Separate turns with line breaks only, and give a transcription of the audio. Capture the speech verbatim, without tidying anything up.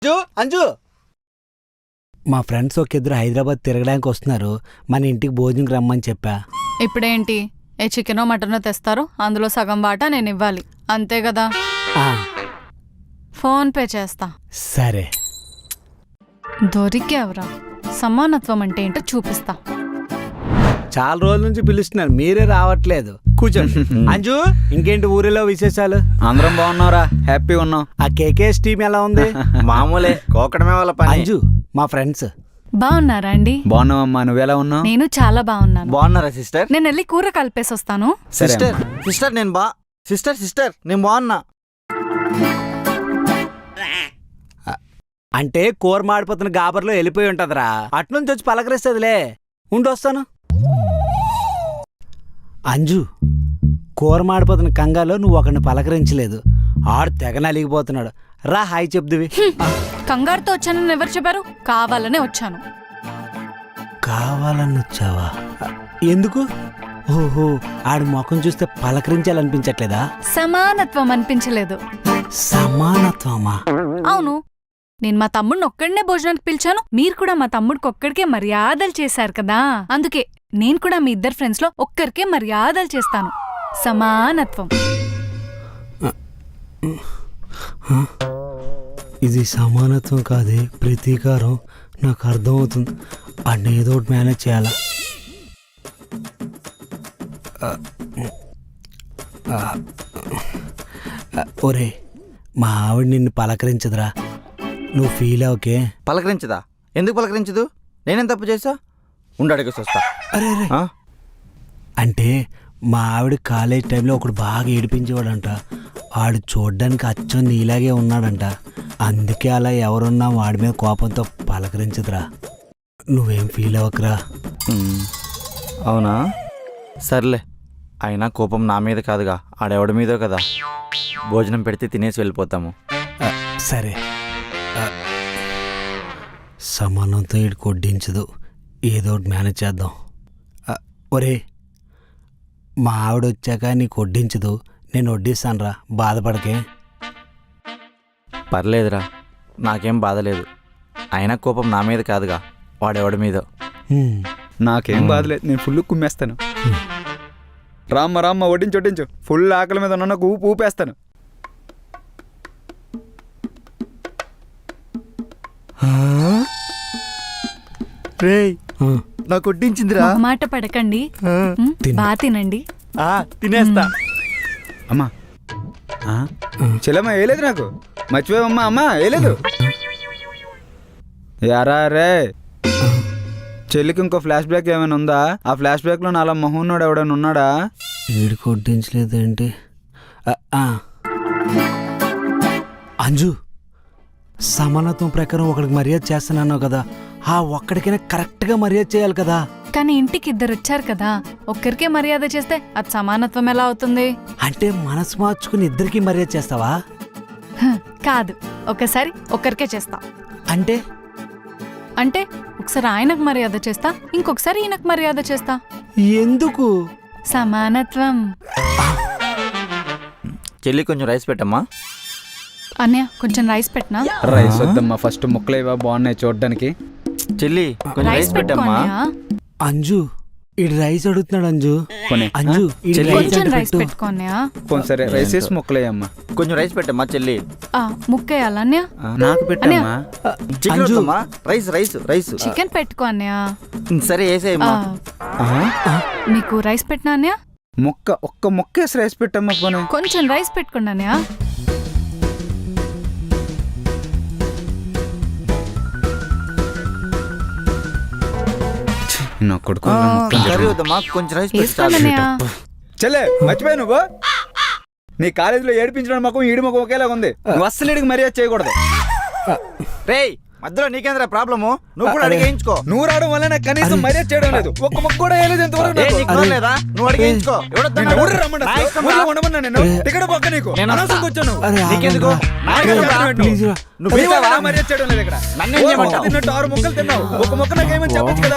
అంజు అంజు
మా ఫ్రెండ్స్ ఒక ఇద్దరు హైదరాబాద్ తిరగడానికి వస్తున్నారు. మన ఇంటికి భోజనంకి రమ్మని చెప్పా.
ఇప్పుడేంటి ఏ చికెనో మటనో తెస్తారు, అందులో సగం వాటా నేను ఇవ్వాలి, అంతే కదా?
ఆ,
ఫోన్ పే చేస్తా.
సరే.
దొరికేవరా, సమానత్వం అంటే ఏంటో చూపిస్తా.
చాలా రోజుల నుంచి పిలుస్తున్నారు, మీరే రావట్లేదు. కూర్చోండి. అంజు, ఇంకేంటి ఊరిలో విశేషాలు?
అందరం బాగున్నారా? హ్యాపీ ఉన్నాం.
ఆ కేకేఎస్ టీం ఎలా ఉంది?
మామూలే, కోకడమే వాళ్ళ పని.
అంజు మా ఫ్రెండ్స్
బాగున్నారా అండి?
బాగున్నావమ్మా, నువ్వెలా ఉన్నావు?
నేను చాలా బాగున్నాను.
బాగున్నారా సిస్టర్?
నేను వెళ్ళి కూర కలిపేసి వస్తాను.
సిస్టర్ సిస్టర్ నేను బా సిస్టర్ సిస్టర్ నేను బాగున్నా.
అంటే కూర మాడిపోతున్న గాబర్లో వెళ్ళిపోయి ఉంటదిరా, అట్నుంచి వచ్చి పలకరిస్తుందిలే. ఉండొస్తాను. అంజు, కూర మాడిపోతున్న కంగాలో నువ్వు ఒకరిని పలకరించలేదు, ఆడు తెగ నలిగిపోతున్నాడు. రా హాయ్ చెప్దువి.
కంగారుతో వచ్చానని ఎవరు చెప్పారు? కావాలనే వచ్చాను.
కావాలని వచ్చావా? ఎందుకు? ఓహో, ఆడి ముఖం చూస్తే పలకరించాలనిపించట్లేదా?
సమానత్వం అనిపించలేదు.
సమానత్వమా?
అవును, నేను మా తమ్ముడిని ఒక్కడినే భోజనానికి పిలిచాను, మీరు కూడా మా తమ్ముడికి ఒక్కడికే మర్యాదలు చేశారు కదా, అందుకే నేను కూడా మీ ఇద్దరు ఫ్రెండ్స్ లో ఒక్కరికే మర్యాదలు చేస్తాను. సమానత్వం.
ఇది సమానత్వం కాదే, ప్రతీకారం. నాకు అర్థమవుతుంది. అన్న ఏదో ఒకటి మేనేజ్ చేయాలా. ఒరే, మా ఆవిడ నిన్ను పలకరించదురా, నువ్వు ఫీల్ అవకే.
పలకరించదా? ఎందుకు పలకరించదు? నేనేం తప్పు చేసా? ఉండు అడిగేసి వస్తా.
అరే అరే, అంటే మా ఆవిడ కాలేజ్ టైంలో ఒకడు బాగా ఏడిపించేవాడంట. వాడు చూడ్డానికి అచ్చం నీలాగే ఉన్నాడంట. అందుకే అలా ఎవరున్నా వాడి మీద కోపంతో పలకరించదురా. నువ్వేం ఫీల్ అవ్వకరా.
అవునా? సర్లే, అయినా కోపం నా మీద కాదుగా, ఆడెవడి మీదో కదా. భోజనం పెడితే తినేసి వెళ్ళిపోతాము.
సరే. సమానంతో ఇటు కొడ్డించదు, ఏదో ఒకటి మేనేజ్ చేద్దాం. ఒరే, మా ఆవిడ వచ్చాక నీకు వడ్డించదు, నేను వడ్డిస్తాను రా, బాధపడకే.
పర్లేదురా, నాకేం బాధలేదు. అయినా కోపం నా మీద కాదుగా, వాడెవడి మీదో.
నాకేం బాధలేదు, నేను ఫుల్ కుమ్మేస్తాను. రామ్మ రామ్మ వడ్డించు వడ్డించు, ఫుల్ ఆకలి మీద ఉన్న ఊపు ఊపేస్తాను.
రేయ్, నాకు వడ్డించిందిరా.
మాట పడకండి, బాగా తినండి.
తినేస్తా.
అమ్మా చెల్లమ్మ వేయలేదు, నాకు మర్చిపోయావమ్మా. అమ్మా వేయలేదు. యారా రే, చెల్లికి ఇంకో ఫ్లాష్ బ్యాక్ ఏమైనా ఉందా? ఆ ఫ్లాష్ బ్యాక్ లో నాలా మొహన్నోడు ఎవడైనా ఉన్నాడా?
వీడికి వడ్డించలేదేంటి? అంజు, సమానత్వం ప్రకారం ఒకడికి మర్యాద చేస్తున్నావు కదా, ఆ ఒక్కడికైనా కరెక్ట్గా మర్యాద చేయాలి కదా.
కానీ ఇంటికి ఇద్దరు వచ్చారు కదా, ఒక్కరికే మర్యాద చేస్తే అది సమానత్వం ఎలా అవుతుంది?
అంటే మనసు మార్చుకుని ఇద్దరికి మర్యాద చేస్తావా?
కాదు, ఒకసారి ఒక్కరికే చేస్తా.
అంటే
అంటే ఒకసారి ఆయనకు మర్యాద చేస్తా, ఇంకొకసారి ఈయనకు మర్యాద చేస్తా.
ఎందుకు?
సమానత్వం.
చెల్లి కొంచెం రైస్ పెట్టమ్మా.
అన్నయ్య కొంచెం రైస్ పెట్టనా?
రైస్ వద్దమ్మా, ఫస్ట్ ముక్కలేవా బాగున్నాయి చూడడానికి.
చెల్లి కొంచెం రైస్ పెట్టమ్మా.
అంజు, ఇడు రైస్ అడుగుతున్నాడు. అంజు అంజు
కొంచెం రైస్ పెట్టుకో అన్నయ్య.
సరే రైస్ వేసి ముక్కలేయమ్మా.
కొంచెం రైస్ పెట్టమ్మా చెల్లి.
ముక్కేయాల అన్నయ్య?
నాకు పెట్టమ్మా.
Chicken rice rice rice
chicken పెట్టుకో అన్నయ్య.
సరే వేసేయమ్మా.
మీకు రైస్ పెట్టినా అన్నయ్య?
ముక్క ఒక్క ముక్క వేసి రైస్ పెట్టమ్మా. పోనీ
కొంచెం రైస్ పెట్టుకోండి అన్నయ్య.
కొంచెం రైస్
చెల్లె మర్చిపోయా నువ్వు. నీ కాలేజీలో ఏడిపించడం మాకు ఈడి మాకు ఒకేలాగా ఉంది. నువ్వు అస్సలు ఈడికి మర్యాద చేయకూడదు.
రేయ్, మధ్యలో నీకేంద్రా ప్రాబ్లము? నువ్వు కూడా అడిగేయించుకో.
నువ్వు రావడం వల్ల నాకు కనీసం మర్యాద చేయడం లేదు. ఒక్క మొక్క కూడా వేయలేదు ఎంతవరకు.
నువ్వు అడిగేయించుకో.
టికెట్ పక్క నీకు అనవసరం వచ్చాను.
నువ్వు
మర్యాద చేయడం లేదు ఇక్కడ. తిన్నట్టు ఆరు మొక్కలు తిన్నావు, ఒక మొక్క నాకేమని చెప్పచ్చు కదా.